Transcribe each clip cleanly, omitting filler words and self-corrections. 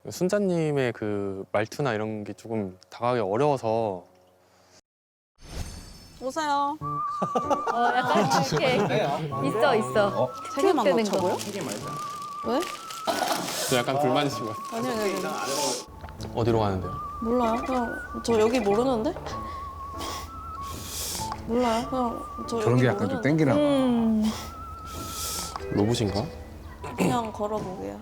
순자님의 그 말투나 이런 게 조금 다가가기 어려워서. 오세요. 약간 이렇게 있어. 세 개만 되는 넣자고요? 왜? 저 약간 불만이신 것 같아요. 아니요. 어디로 가는데요? 몰라요. 그냥 저 여기 모르는데? 몰라요. 그냥 저 저런 여기 게 약간 좀 모르는데? 땡기나 봐. 로봇인가? 그냥 걸어보게요.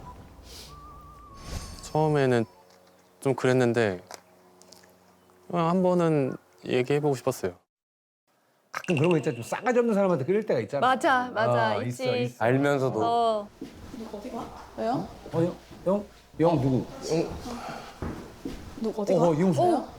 처음에는 좀 그랬는데 그냥 한 번은 얘기해보고 싶었어요. 가끔 그런 거 있잖아. 좀 싸가지 없는 사람한테 끌릴 때가 있잖아. 맞아. 있어, 있지. 있어. 알면서도. 왜요? 영 누구? 어디 가? 이용수야?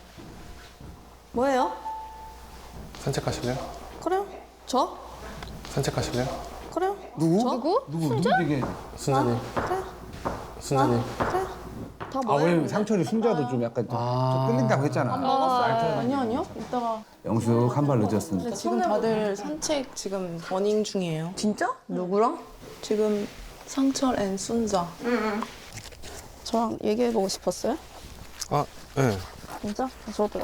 뭐예요? 산책하실래요? 그래요? 저? 산책하실래요? 그래요? 누구? 누구 얘기해? 순자님. 그래요? 순자님. 그래요? 다 아, 뭐예요? 왜 상철이 순자도 좀 약간 좀 끌린다고 했잖아. 아니요. 이따가. 영숙 한 발 늦었습니다. 근데 지금 다들 산책 지금 러닝 중이에요. 진짜? 누구랑? 지금 상철 앤 순자. 저랑 얘기해보고 싶었어요? 아, 네. 진짜? 저도요.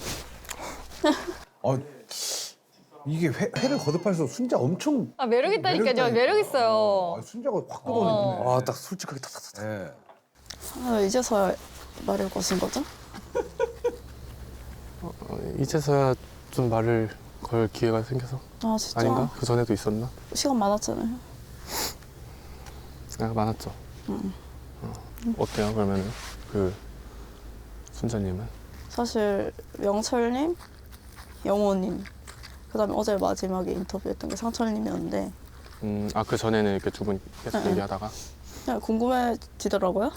이게 회를 거듭할수록 순자 엄청 매력 있다니까요. 매력 있어요. 순자가 확 끌어오네. 아, 딱 솔직하게 탁탁탁. 네. 이제서야 말을 거신 거죠? 이제서야 좀 말을 걸 기회가 생겨서. 아 진짜? 아닌가? 그 전에도 있었나? 시간 많았잖아요. 아, 많았죠. 어때요, 그러면 그 순자님은? 사실 명철님, 영호님, 그다음에 어제 마지막에 인터뷰했던 게 상철님이었는데 아, 그 전에는 이렇게 두 분 계속 네. 얘기하다가. 그냥 궁금해지더라고요.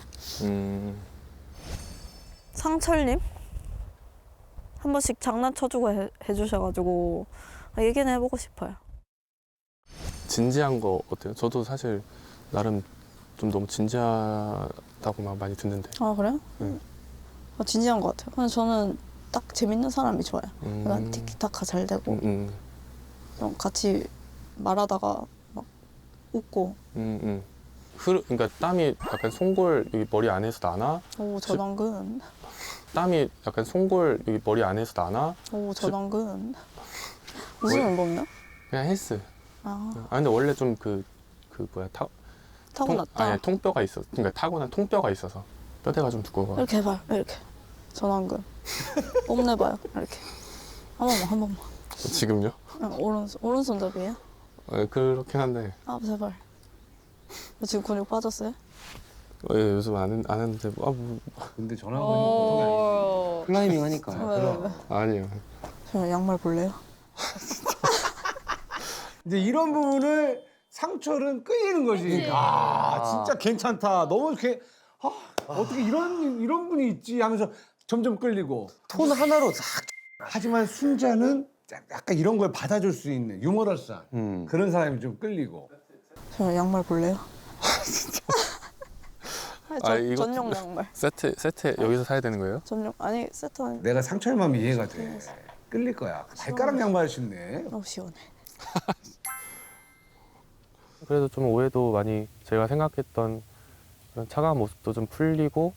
상철님 한 번씩 장난쳐주고 해주셔가지고 얘기는 해보고 싶어요. 진지한 거 어때요? 저도 사실 나름 좀 너무 진지하다고 막 많이 듣는데. 아 그래요? 네. 진지한 것 같아요. 근데 저는 딱 재밌는 사람이 좋아요. 약간 음. 티키타카 잘 되고 음. 좀 같이 말하다가 막 웃고. 그러니까 땀이 약간 송골 여기 머리 안에서 나나? 오 전원근. 땀이 약간 송골 여기 머리 안에서 나나? 오 전원근. 무슨 운동이요? 그냥 헬스. 아 근데 원래 좀 그 뭐야 타고났다. 아니 통뼈가 있어. 그러니까 타고난 통뼈가 있어서 뼈대가 좀 두꺼워. 이렇게 해봐요. 이렇게. 전원근. 뽐내봐요. 이렇게. 한 번만. 지금요? 오른손잡이에요? 그렇긴 한데 제발. 지금 근육 빠졌어요? 요즘 안 하는데 근데 전화번호 보통이 아니지. 클라이밍 하니까. 왜? 아니에요. 저 양말 볼래요? 이제 이런 부분을 상철은 끌리는 거지. 진짜 괜찮다. 너무 어떻게 이런 분이 있지 하면서 점점 끌리고. 톤 하나로 싹. 하지만 순자는 약간 이런 걸 받아줄 수 있는 유머러스한 그런 사람이 좀 끌리고. 저 양말 볼래요? 이거 전용 양말. 세트 여기서 사야 되는 거예요? 아니 세트 아니. 내가 상철 마음이 이해가 돼. 끌릴 거야. 발가락 양말 신네. 너무 시원해. 그래도 좀 오해도 많이 제가 생각했던 그런 차가운 모습도 좀 풀리고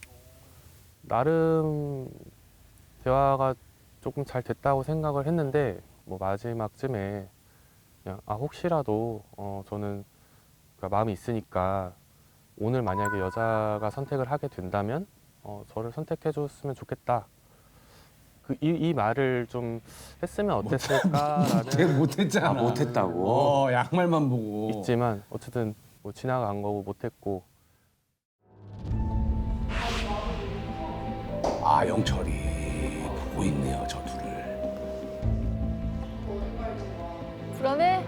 나름 대화가 조금 잘 됐다고 생각을 했는데 뭐 마지막쯤에 그냥 혹시라도 저는 그러니까 마음이 있으니까 오늘 만약에 여자가 선택을 하게 된다면 저를 선택해 줬으면 좋겠다. 이 말을 좀 했으면 어땠을까라는 걔 못했잖아. 못했다고. 양말만 보고. 있지만 어쨌든 뭐 지나간 거고 못했고. 영철이 보고 있네요, 저 둘을. 불안해?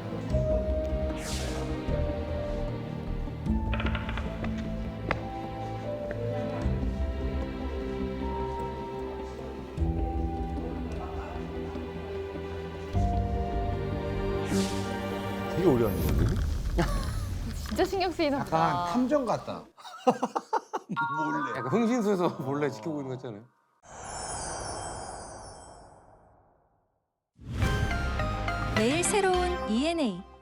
되게 오래 하는 건데? 진짜 신경 쓰이나 보다. 약간 탐정 같다. 약간 흥신소에서 몰래 지켜보고 있는 거 있잖아요. 매일 새로운 ENA